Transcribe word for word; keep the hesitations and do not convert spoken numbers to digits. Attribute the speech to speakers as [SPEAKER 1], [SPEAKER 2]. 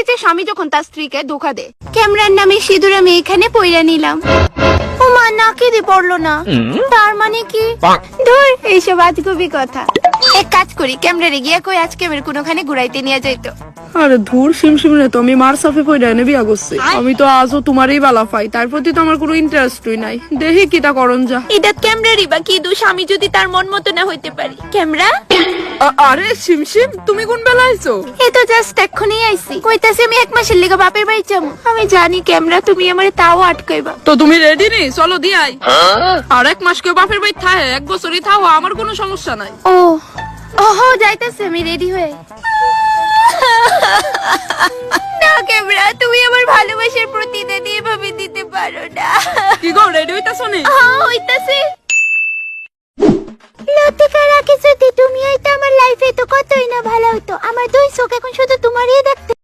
[SPEAKER 1] যে স্বামী যখন তার স্ত্রীকে ধোকা দেয়। ক্যামেরার নামে সিঁদুর আমি এখানে পইরা নিলাম। ও মা, নাকে দিয়ে পড়লো না, তার মানে কি? ধুর, এইসব আজগুবি কথা। এক কাজ করি, ক্যামেরারে গিয়া কই আজকে আমার কোনোখানে ঘুরাইতে নিয়ে যাইতো।
[SPEAKER 2] আরে ধুর, সিমসিম রে তো আমি মার সাফে পড়ে এনে বিয়া করছি। আমি তো আজও তোমারই বালা পাই, তার প্রতি তো আমার কোনো ইন্টারেস্টই নাই। দেখি কিটা করন যা।
[SPEAKER 1] এটা ক্যামেরারই বা কি দোষ, আমি যদি তার মন মতো না হইতে পারি? ক্যামেরা,
[SPEAKER 2] আ- আরে সিমসিম, তুমি কোন বেলা আইছো?
[SPEAKER 1] এই তো জাস্ট এক্ষুনি আইছি। কইতাছি আমি এক মাসের লেগে বাপের বাড়ি যাবো। আমি জানি ক্যামেরা তুমি আমার তাও আটকাইবা।
[SPEAKER 2] তো তুমি রেডি নি? চলো দিয়াই। আর এক মাস কেউ বাপের বাড়ি থাকে, এক বছরই থাও, আমার কোনো সমস্যা নাই।
[SPEAKER 1] ও ওহো, যাইতাছে আমি রেডি হয়ে। না ক্যামেরা, তুমি আমার ভালোবাসার প্রতিদান এভাবে দিতে পারো না।
[SPEAKER 2] কি গো, রেডি হইতাছো নি?
[SPEAKER 1] হ্যাঁ, হইতাছে। লতিকা রাখি, যদি তুমি হইতো আমার লাইফে তো কতই না ভালো হতো। আমার দুই চোখ এখন শুধু তোমারই দেখতে।